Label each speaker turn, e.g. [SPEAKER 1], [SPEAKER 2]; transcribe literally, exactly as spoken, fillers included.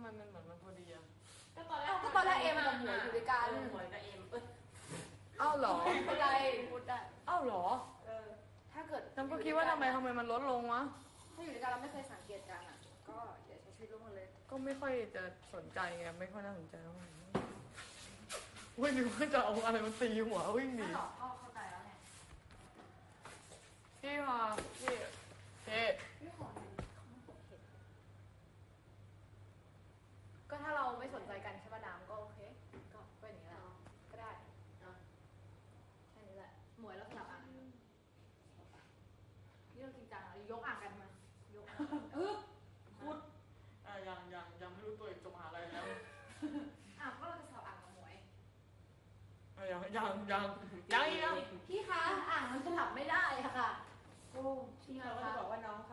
[SPEAKER 1] มมันเหมือนมันพอดีอะ
[SPEAKER 2] ก็ตอนแรก
[SPEAKER 3] ก็ตอนแรกเอ็มกับหมวยอยู่ด้วยกัน
[SPEAKER 2] หมวยกับเอ็มเอ้ย
[SPEAKER 1] อ้าวเหรอ
[SPEAKER 3] ไม่เป็นไรพูดได้
[SPEAKER 1] อ้าวเหรอ
[SPEAKER 2] เออ
[SPEAKER 3] ถ้าเกิด
[SPEAKER 1] จำก็คิดว่าทำไมทำไมมันลดลงวะ
[SPEAKER 3] ถ้าอยู่ด้วยกันเราไม่เคยสังเกตกันอ่ะก็อย่าใช้ชีวิตร่วมกันเลย
[SPEAKER 1] ก็ไม่ค่อยจะสนใจไงไม่ค่อยน่าสนใจเท่าไหร่เว้ยนึกว่าจะเอาอะไรมันตีหัววิ่งหนี
[SPEAKER 3] ไม่หรอกพ่อเข้าใจแล้วไง
[SPEAKER 1] พี่มาพี่เจ๊
[SPEAKER 3] พี่ขอเห็นก็ถ้าเราไม่สนใจกันใช่ป่ะน้ำก็โอเคก็เป็นอย่างนี้แหละก็ได้แค่นี้แหละหมวยแล้วสลับอ่างนี่เราจริงจังอ่ะยกอ่างกันมายกเออ
[SPEAKER 1] พูดอ่ะยังยังยังไม่รู้ตัวเองจะมาอะไรแล้ว
[SPEAKER 3] อ่ะก็เราจะสลับอ่างกับหมวย
[SPEAKER 1] อ่ะยังยังยังยังยัง
[SPEAKER 3] พี่คะอ่างมันสลับไม่ได้อะค่ะ
[SPEAKER 2] โอ้พี่เราก็จะบอกว่าน้อง